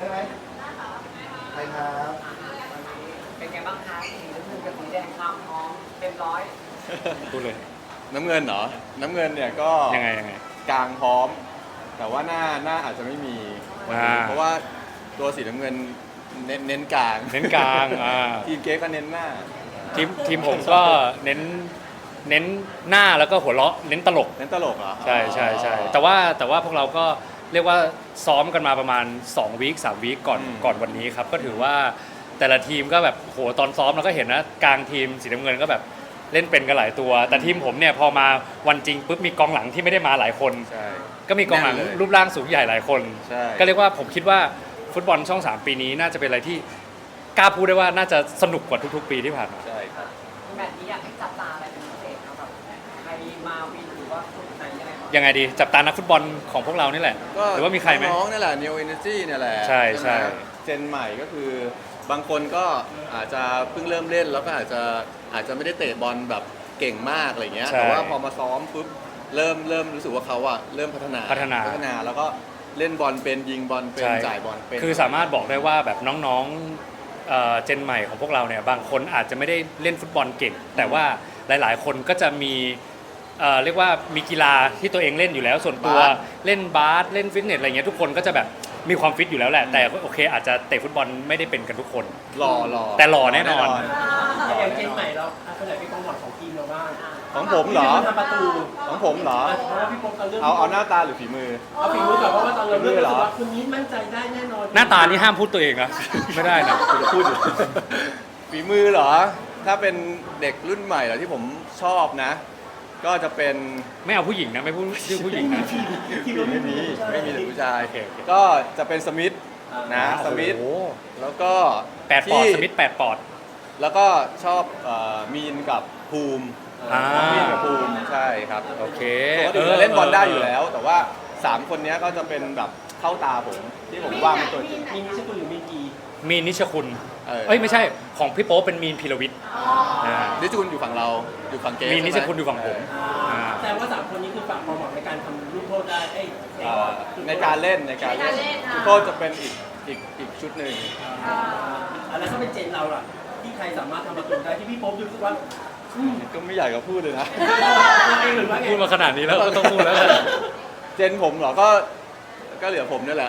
ได้ไหมใครครับเป็นไงบ้างคะสีน้ำเงินกับสีแดงความพร้อมเต็มร้อยพูดเลยน้ำเงินเหรอ น้ำเงินเนี่ยก็ยังไงกลางพร้อม แต่ว่าหน้าอาจจะไม่มีวันนี้เพราะว่าตัวสีน้ำเงินเน้นกลางเน้นกลางทีมเก๊ก็เน้นหน้าทีมผมก็เน้นหน้าแล้วก็หัวเราะเน้นตลกเน้นตลกเหรอใช่แต่ว่าพวกเราก็เรียกว่าซ้อมกันมาประมาณ2 วีค 3 วีคก่อนวันนี้ครับก็ถือว่าแต่ละทีมก็แบบโหตอนซ้อมเราก็เห็นนะกลางทีมสีน้ำเงินก็แบบเล่นเป็นกันหลายตัว แต่ทีมผมเนี่ยพอมาวันจริงปุ๊บมีกองหลังที่ไม่ได้มาหลายคนใช่ก็มีกองหลังแน่นเลยรูปร่างสูงใหญ่หลายคนใช่ก็เรียกว่าผมคิดว่าฟุตบอลช่อง 3 ปีนี้น่าจะเป็นอะไรที่กล้าพูดได้ว่าน่าจะสนุกกว่าทุกๆ ปีที่ผ่านมาใช่ครับแบบนี้อยากให้จับตาอะไรเป็นพิเศษครับแบบใครมาวินหรือว่าคนไหนยังไงบ้างยังไงดีจับตานักฟุตบอลของพวกเรานี่แหละก็หรือว่ามีใครไหมน้องๆนี่แหละ New Energy เนี่ยแหละใช่ไหมเจนใหม่ก็คือบางคนก็อาจจะเพิ่งเริ่มเล่นแล้วก็อาจจะไม่ได้เตะบอลแบบเก่งมากอะไรเงี้ยใช่แต่ว่าพอมาซ้อมปุ๊บเริ่มรู้สึกว่าเขาอะเริ่มพัฒนาแล้วก็เล่นบอลเป็นยิงบอลเป็นใช่จ่ายบอลเป็นคือสามารถบอกได้ว่าแบบน้องๆเจนใหม่ของพวกเราเนี่ยบางคนอาจจะไม่ได้เล่นฟุตบอลเก่ง แต่ว่าหลายๆ คนก็จะมีเรียกว่ามีกีฬาที่ตัวเองเล่นอยู่แล้ว ส่วนตัวเล่นบาสเล่นฟิตเนสอะไรเงี้ยทุกคนก็จะแบบมีความฟิตอยู่แล้วแหละแต่โอเคอาจจะเตะฟุตบอลไม่ได้เป็นกันทุกคนหล่อแต่หล่อแน่นอนอย่างเจนใหม่เราคนไหนเป็นกองหลังของทีมเราบ้างของผมเหรอทำประตูของผมเหรอเพราะว่าพี่โป๊ปตอนเริ่มเอาหน้าตาหรือฝีมือเอาฝีมือก่อนเพราะว่าตอนเราเริ่มฝีมือเหรรู้อสึกว่าคนนี้มั่นใจได้แน่นอนหน้าตานี่ห้ามพูดตัวเองนะ ไม่ได้นะคุณจะพูดอยู่ ฝีมือเหรอ ถ้าเป็นเด็กรุ่นใหม่เหรอที่ผมชอบนะ ก็จะเป็นไม่เอาผู้หญิงนะไม่พูดชื่อผู้หญิงนะทีมเราไม่มีแต่ผู้ชายโอเคก็จะเป็นสมิธนะสมิธโอ้โหแล้วก็ 8 ปอดสมิธ8 ปอดแล้วก็ชอบมีนกับภูมิ มีนกับภูมิใช่ครับโอเคปกติเราเล่นบอลได้อยู่แล้ว แต่ว่า 3 คนนี้ก็จะเป็นแบบเข้าตาผมที่ผมวางเป็นตัวจริงมีนิชคุณหรือมีกีมีนนิชคุณเออเอ้ยไม่ใช่ของพี่โป๊ปเป็นมีนพีรวิทย์านิชคุณอยู่ฝั่งเราอยู่ฝั่งเกมมีนิชคุณอยู่ฝั่งผมแต่ว่า3คนนี้คือฝากความหวังในการทำลูกโทษได้ในการเล่นโค้ชจะเป็นอีกชุดหนึ่งแล้วถ้าเป็นเจนเราล่ะที่ใครสามารถทำประตูได้ที่พี่โป๊ปรู้สึกว่าก็ไม่อยากจะพูดเลยนะหรือว่าไงพูดมาขนาดนี้แล้วก็ต้องพูดแล้วแหละเจนผมเหรอก็เหลือผมนี่แหละ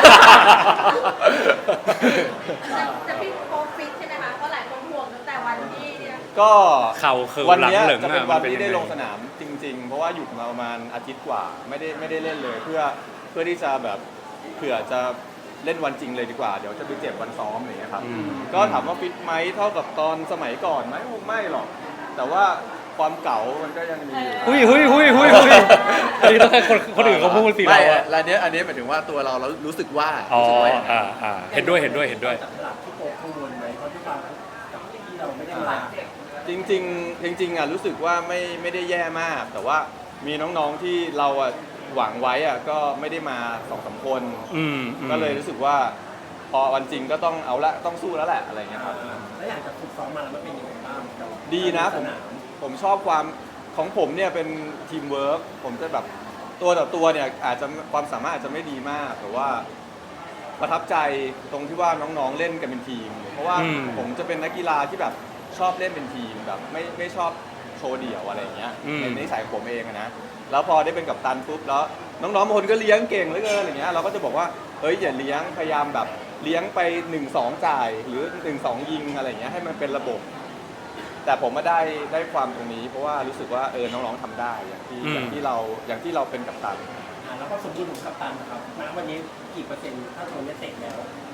แต่พี่โป๊ปฟิตใช่ไหมคะเพราะหลายคนห่วงตั้งแต่วันที่เนี่ยก็เข่าเคิร์วันหลังเนี้ยเหลิงจะเป็นอะวันมันที่ได้ยังงลงสนามจริง ๆ เพราะว่าหยุดมาประมาณอาทิตย์กว่าไม่ได้เล่นเลยเพื่อที่จะแบบเผื่อจะเล่นวันจริงเลยดีกว่าเดี๋ยวจะไปเจ็บวันซ้อมอะไรอย่างเงี้ยครับ ก็ถามว่าฟิตไหมเท่ากับตอนสมัยก่อนไหมคงไม่หรอก แต่ว่าความเก่ามันก็ยังมีอยู่หุยอันนี้ต้องให้คนอื่นเขาพูดสิเราไม่อะอันนี้หมายถึงว่าตัวเรารู้สึกว่าอ๋อรู้สึกว่าเห็นด้วยจับตลาดที่โป๊ปกังวลไหมเพราะทุกครั้งกับที่เราไม่ได้มาจริงอ่ะรู้สึกว่าไม่ได้แย่มาก แต่ว่ามีน้องๆที่เราอ่ะหวังไว้อ่ะก็ไม่ได้มา2-3 คน ก็เลยรู้สึกว่า พอวันจริงก็ต้องเอาละต้องสู้แล้วแหละอะไรเงี้ยครับแล้วอย่างจากฝึกซ้อมมาแล้วมันเป็นยังไงบ้างกับดีนะผมชอบความของผมเนี่ยเป็นทีมเวิร์กผมจะแบบตัวต่อตัวเนี่ยอาจจะความสามารถอาจจะไม่ดีมากแต่ว่าประทับใจตรงที่ว่าน้องๆเล่นกันเป็นทีม เพราะว่าผมจะเป็นนักกีฬาที่แบบชอบเล่นเป็นทีมแบบไม่ชอบโชว์เดี่ยวอะไรอย่างเงี้ยในนิสัยของผมเองอะนะแล้วพอได้เป็นกัปตันปุ๊บแล้วน้องๆบางคนก็เลี้ยงเก่งเหลือเกินอย่างเงี้ยเราก็จะบอกว่าเฮ้ยอย่าเลี้ยงพยายามแบบเลี้ยงไป1-2จ่ายหรือ1-2ยิงอะไรอย่างเงี้ยให้มันเป็นระบบ แต่ผมมาได้ความตรงนี้ เพราะว่ารู้สึกว่าน้องๆทำได้อย่างที่เราเป็นกัปตันแล้วก็สมบูรณ์ของกัปตันนะครับณวันนี้กี่เปอร์เซ็นต์ถ้าตัวนี้เตะแล้ว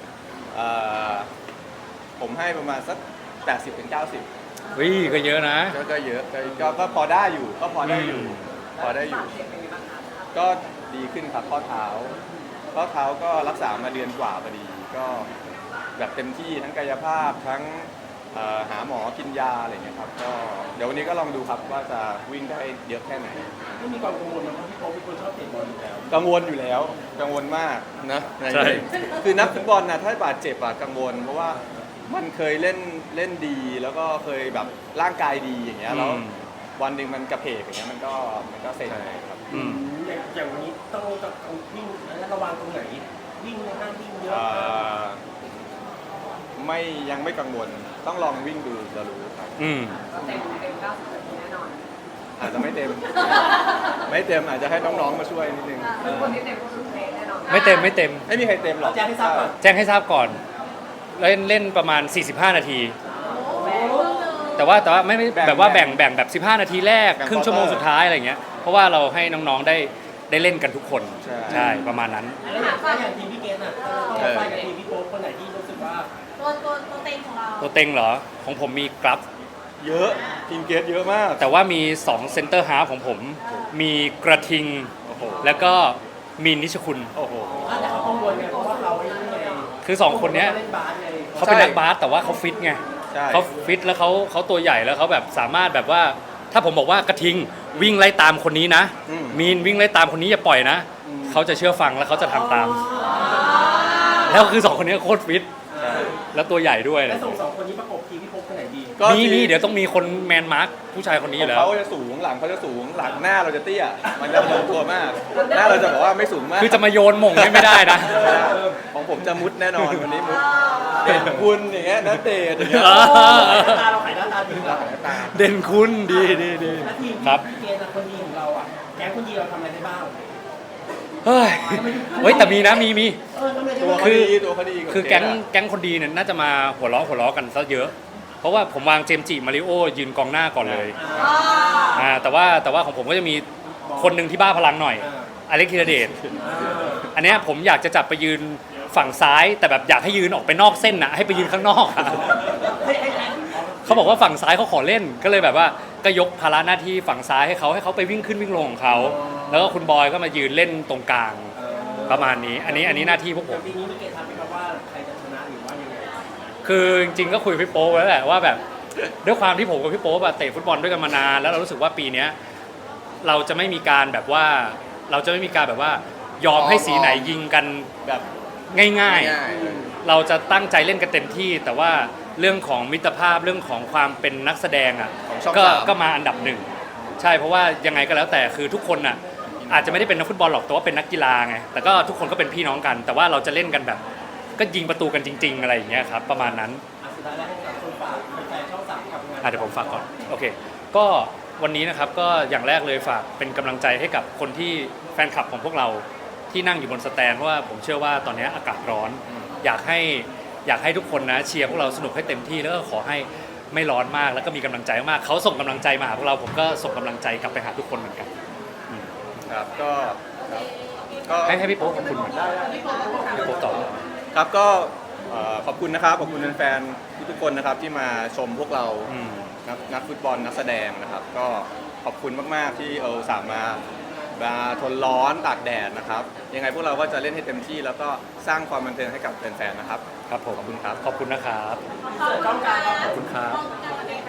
ผมให้ประมาณสัก80-90 วิก็เยอะนะก็เยอะก็พอได้อยู่พอได้อยู่เจ็บเป็นไงบ้างคะก็ดีขึ้นครับข้อเท้าก็รักษามาเดือนกว่าพอดีก็แบบเต็มที่ทั้งกายภาพทั้งหาหมอกินยาอะไรเงี้ยครับก็เดี๋ยววันนี้ก็ลองดูครับว่าจะวิ่งได้เยอะแค่ไหนไม่มีความกังวลนะเพราะพี่โป๊ปเป็นคนชอบเตะบอลอยู่แล้วกังวลอยู่แล้วกังวลมากนะใช่คือนักฟุตบอลนะถ้าบาดเจ็บอะกังวล เพราะว่ามันเคยเล่นดีแล้วก็เคยแบบร่างกายดีอย่างเงี้ยแล้ววันหนึ่งมันกระเพกอย่างเงี้ยมันก็เซ็งครับอย่างวันนี้ต้องวิ่งระวังตรงไหนวิ่งในห้างวิ่งเยอะยังไม่กังวลต้องลองวิ่งดูจะรู้ครับก็เต็ม90นาทีแน่นอนอาจจะไม่เต็ม ไม่เต็มอาจจะให้น้องๆมาช่วยนิดนึงคือคนที่เต็มก็คือเพลงแน่นอนไม่เต็มไม่มีใครเต็มหรอกแจ้งให้ทราบก่อนแจ้งให้ทราบก่อนเล่นประมาณ 45 นาทีแม่เพิ่งเลยแต่ว่าไม่แบบว่าแบ่งแบบ15 นาทีแรกแบ่งครึ่งชั่วโมง quarter สุดท้ายอะไรเงี้ยเพราะว่าเราให้น้องๆได้เล่นกันทุกคนใช่ประมาณนั้นแล้วอย่างทีมพี่เกณฑ์อ่ะต้องไปกับทีมพี่โป๊ปคนไหนที่รู้สึกว่าตัวเต็งของเราตัวเต็งเหรอของผมมีกราฟเยอะทีมเกสเยอะมากแต่ว่ามี2เซนเตอร์ฮาล์ฟของผม มีกระทิงโอ้โหแล้วก็มีนิชคุณโอ้โหแต่เขากังวลไงเพราะว่าเขาไอ้นี่ไงคือ2คนเนี้ยเล่นบาสไงเขาเป็นนักบาสแต่ว่าเขาฟิตไงใช่เขาฟิตแล้วเขาตัวใหญ่แล้วเขาแบบสามารถแบบว่า ถ้าผมบอกว่ากระทิงวิ่งไล่ตามคนนี้นะ มีนวิ่งไล่ตามคนนี้อย่าปล่อยนะเขาจะเชื่อฟังแล้วเขาจะทำตาม แล้วคือ2คนนี้โคตรฟิตใช่แล้วตัวใหญ่ด้วยแล้วส่งสองคนนี้ประกบทีมพี่โป๊ปคนไหนดีก็มีเดี๋ยวต้องมีคนแมนมาร์คผู้ชายคนนี้อยู่แล้วเขาจะสูงหลังเขาจะสูงหลังหน้าเราจะเตี้ยมันจะลงตัวมาก หน้าเราจะบอกว่าไม่สูงมากคือจะมาโยนหม่งเนี่ยไม่ได้นะของผมจะมุดแน่นอนวันนี้มุดเด่นคุณอย่างเงี้ยนักเตะอย่างเงี้ยเออตาเราขายหน้าตาดีกว่าตาเด่นคุณดีแล้วทีมครับพี่เกณฑ์คนดีของเราอ่ะแก๊งคนดีเราทำอะไรได้บ้างเฮ้ยแต่มีนะมีทำอะไรได้ตัวบ้างเขาดีตัวเขาดีว่าคือแก๊งคนดีเนี่ยน่าจะมาหัวล้อกันซะเยอะ เพราะว่าผมวางเจมส์จิมาริโอยืนกองหน้าก่อนเลยแต่ว่าของผมก็จะมีคนหนึ่งที่บ้าพลังหน่อยอเล็กธีรเดชอันเนี้ยผมอยากจะจับไปยืนฝั่งซ้าย แต่แบบอยากให้ยืนออกไปนอกเส้นนะให้ไปยืนข้างนอกอะ เขาบอกว่าฝั่งซ้ายเขาขอเล่นก็เลยแบบว่าก็ยกภาระหน้าที่ฝั่งซ้ายให้เขาไปวิ่งขึ้นวิ่งลงของเขาแล้วก็คุณบอยก็มายืนเล่นตรงกลางประมาณนี้อันนี้หน้าที่พวกผมปีนี้พี่เกณฑ์ทำให้แบบว่าใครจะชนะหรือว่ายังไงคือจริงๆก็คุยกับพี่โป๊ปไว้แล้วแหละว่าแบบด้วยความที่ผมกับพี่โป๊ปอะเตะฟุตบอลด้วยกันมานานแล้วเรารู้สึกว่าปีเนี้ยเราจะไม่มีการแบบว่ายอมให้สีไหนยิงกันแบบง่ายๆๆ เราจะตั้งใจเล่นกันเต็มที่ แต่ว่าเรื่องของมิตรภาพเรื่องของความเป็นนักแสดงอ่ะของช่องก็สามก็มาอันดับหนึ่งใช่เพราะว่ายังไงก็แล้วแต่คือทุกคนอ่ะอาจจะไม่ได้เป็นนักฟุตบอลหรอกแต่ว่าเป็นนักกีฬาไงแต่ก็ทุกคนก็เป็นพี่น้องกัน แต่ว่าเราจะเล่นกันแบบ ก็ยิงประตูกันจริง ๆ อะไรอย่างเงี้ยครับประมาณนั้นสุดท้ายแล้วให้กับคนฝากแฟนช่องสามกับงานเดี๋ยวผมฝากก่อนโอเคก็วันนี้นะครับก็อย่างแรกเลยฝากเป็นกำลังใจให้กับคนที่แฟนคลับของพวกเราที่นั่งอยู่บนสแตนเพราะว่าผมเชื่อว่าตอนนี้อากาศร้อน อยากให้ทุกคนนะเชียร์พวกเราสนุกให้เต็มที่แล้วก็ขอให้ไม่ร้อนมากแล้วก็มีกำลังใจมากเขาส่งกำลังใจมาหาพวกเราผมก็ส่งกำลังใจกลับไปหาทุกคนเหมือนกันครับก็ครับก็ให้พี่โป๊ปขอบคุณเหมือนกันพี่โป๊ปต่อครับก็ขอบคุณนะครับขอบคุณแฟนๆทุกๆคนนะครับที่มาชมพวกเรานักฟุตบอลนักแสดงนะครับก็ขอบคุณมากๆที่สามารถมาทนร้อนตากแดดนะครับยังไงพวกเราก็จะเล่นให้เต็มที่แล้วก็สร้างความบันเทิงให้กับแฟนๆนะครับครับผมขอบคุณครับขอบคุณนะครับขอบคุณค่ะขอบคุณครับขอบคุณค่ะ